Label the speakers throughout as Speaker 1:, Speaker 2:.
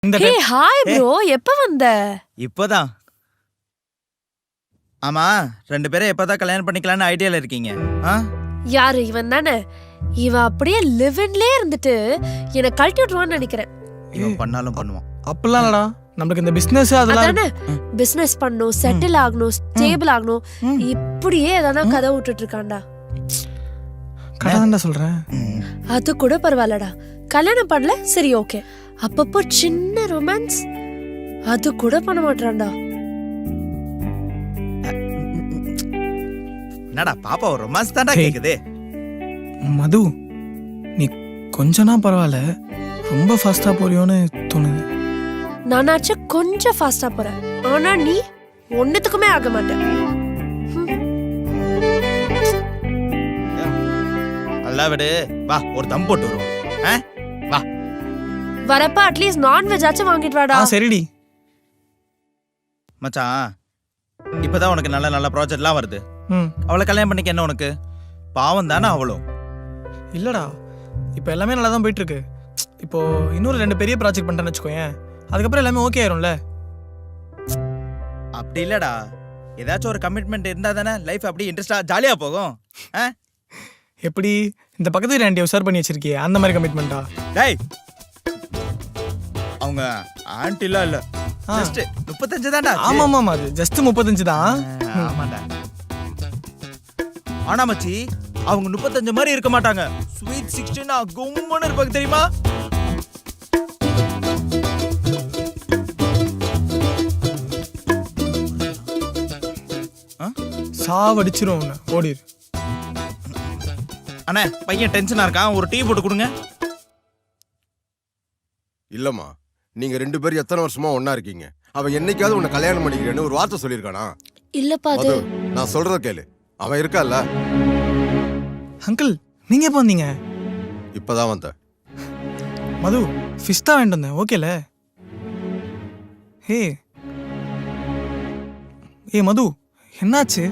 Speaker 1: Hey hi bro, எப்ப வந்த?
Speaker 2: இப்போதான். ஆமா, ரெண்டு பேரும் எப்பதான் கல்யாணம் பண்ணிக்கலாம்னு ஐடியால இருக்கீங்க?
Speaker 1: யாரு இவன் தானே? இவன் அப்படியே லிவின்லயே இருந்துட்டு என்ன கழட்டி விட்டுருவான்னு நினைக்கிறேன்.
Speaker 2: இவன் பண்ணாலும் பண்ணுவான்.
Speaker 3: அப்பலாம் இல்லடா, நமக்கு இந்த பிசினஸ் அதெல்லாம்
Speaker 1: பிசினஸ் பண்ணணும், செட்டில் ஆகணும், ஸ்டேபிள் ஆகணும், இப்படியே எதனா கதை விட்டுட்டு இருக்கான்டா.
Speaker 3: கடாதான்டா சொல்றேன்.
Speaker 1: அது கூட பரவாயில்லடா, கல்யாணம் பண்ணல சரி ஓகே, அப்பப்போ சின்ன ரொமான்ஸ் அது கூட பண்ண மாட்டான்டா.
Speaker 2: என்னடா பாப்பா ஒரு ரொமான்ஸ் தான்டா கேக்குது.
Speaker 3: மது, நீ கொஞ்சனா பரவாயில்ல, ரொம்ப ஃபாஸ்டா போறியோன்னு தோணுது.
Speaker 1: நானாச்சும் கொஞ்சம் ஃபாஸ்டா போறேன், ஆனா நீ ஒன்னுத்துக்குமே ஆக மாட்டேன்.
Speaker 2: நல்லா விடு, வா ஒரு தம் போட்டு வருவோம். வா
Speaker 1: வரப்ப அட்லீஸ்ட் நான்வெஜ் ஆச்சும் வாங்கிட்டு வாடா.
Speaker 3: சரிடி
Speaker 2: மச்சான், இப்பதான் உனக்கு நல்ல நல்ல ப்ராஜெக்ட்லாம் வருது. அவளை கல்யாணம் பண்ணிக்க என்ன உனக்கு பாவம் தானே அவளும்?
Speaker 3: இல்லடா, இப்போ எல்லாமே நல்லா தான் போயிட்டு இருக்கு. இப்போ இன்னொரு 2 பெரிய ப்ராஜெக்ட் பண்ணிட்டேன்னு வச்சுக்கோயேன், அதுக்கப்புறம் எல்லாமே ஓகே ஆயிரும்ல.
Speaker 2: அப்படி இல்லடா, ஏதாச்சும் ஒரு கமிட்மெண்ட் இருந்தா தானே லைஃப் அப்படி இன்ட்ரெஸ்டா ஜாலியா போகும்.
Speaker 3: எப்படி இந்த பக்கத்து வீட்டு ஆண்டியை உசார் பண்ணி வச்சிருக்கியே, அந்த மாதிரி கமிட்மெண்டா?
Speaker 2: டேய், அவங்க ஆண்டிலாம் இல்ல, ஜஸ்ட் 35 தான்டா.
Speaker 3: ஆமா ஆமா, அது ஜஸ்ட் 35 தான்.
Speaker 2: ஆமாடா. ஆனா மச்சி, அவங்க 35 மாதிரி இருக்க மாட்டாங்க. ஸ்வீட் 16 கும்முன்னு இருப்பாங்க தெரியுமா?
Speaker 3: சாவடிச்சிரும் ஓடிரு.
Speaker 2: அண்ணே, பையன் டென்ஷனா இருக்கான், ஒரு டீ போட்டு கொடுங்க.
Speaker 4: இல்லம்மா, நீங்க 2 பேரும் எத்தனை வருஷமா ஒண்ணா இருக்கீங்க? அவன் என்னைக்காவது உன்னை கல்யாணம் பண்ணிக்கிறேன்னு ஒரு வார்த்தை சொல்லியிருக்கானா?
Speaker 1: இல்லப்பா, அது
Speaker 4: நான் சொல்றத கேளு, அவன் இருக்கால.
Speaker 3: அங்கிள், நீங்க எப்போ வந்தீங்க?
Speaker 4: இப்பதான் வந்த.
Speaker 3: மது, ஃபிஷ் தான் வாங்கிட்டு வந்தேன், ஓகேல? ஏ மது, என்னாச்சு?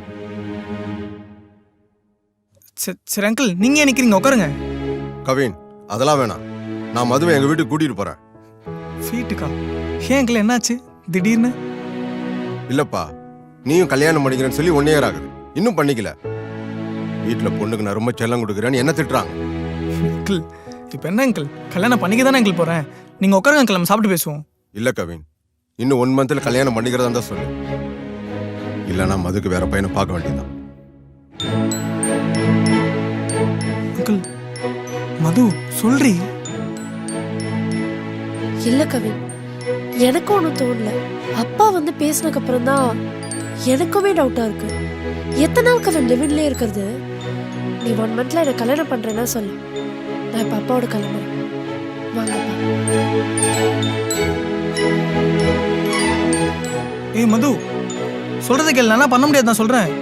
Speaker 3: சரி அங்கிள், நீங்க ஏன் நிக்கிறீங்க? உட்காருங்க.
Speaker 4: கவின், அதெல்லாம் வேணாம், நான் மதுவை எங்க வீட்டுக்கு கூட்டிட்டு போறேன்.
Speaker 3: வீட்டுக்கா? ஏன் அங்கிள், என்னாச்சு திடீர்னு?
Speaker 4: இல்லப்பா, நீயும் கல்யாணம் பண்ணிக்கிறேன்னு சொல்லி 1 year ஆகுது, இன்னும் பண்ணிக்கல. வீட்டுல பொண்ணுக்கு நான் ரொம்ப செல்லம் கொடுக்குறேன்னு என்ன திட்டுறாங்க.
Speaker 3: அங்கிள், இப்ப என்ன அங்கிள், கல்யாணம் பண்ணிக்க தானே அங்கிள் போறேன். நீங்க உட்காருங்க அங்கிள், நம்ம சாப்பிட்டு பேசுவோம்.
Speaker 4: இல்ல கவின், இன்னும் 1 monthல கல்யாணம் பண்ணிக்கிறதா தான் சொல்லு, இல்லைன்னா மதுக்கு வேற பையனை பார்க்க வேண்டியதுதான்.
Speaker 3: அங்கிள், மது சொல்றி.
Speaker 1: இல்ல கவின், எனக்கு ஒன்றும் தோணல. அப்பா வந்து பேசினதுக்கு அப்புறம் தான் எனக்குமே டவுட்டா இருக்கு. எத்தனை நாள் கவின் லிவின்லயே இருக்கிறது? நீ 1 monthல என்ன கல்யாணம் பண்றேன்னா சொல்லு, நான் இப்ப அப்பாவோட கிளம்புறேன். வாங்கப்பா.
Speaker 3: ஏய் மது, சொல்றதை கேளு, நான் பண்ண முடியாது, நான் சொல்றேன்.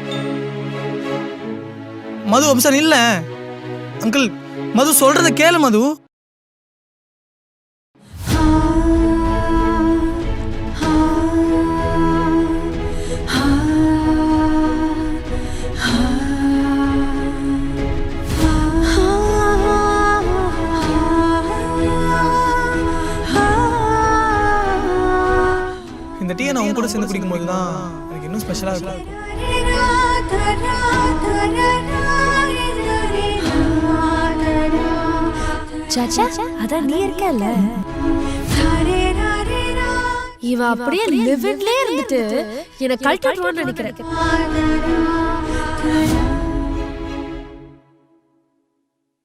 Speaker 3: மது அப்சன் இல்ல அங்கிள், மது சொல்றத கேளு மது. இந்த டீயை நான் உன் கூட சேர்ந்து குடிக்கும் போது தான் எனக்கு இன்னும் ஸ்பெஷலா இருக்கும்.
Speaker 1: சாச்சா, அதான் நீ இருக்கல. இவன் அப்படியே லிவின்லயே இருந்துட்டு என்ன கழட்டி விட்டுருவான்னு நினைக்கிறேன்.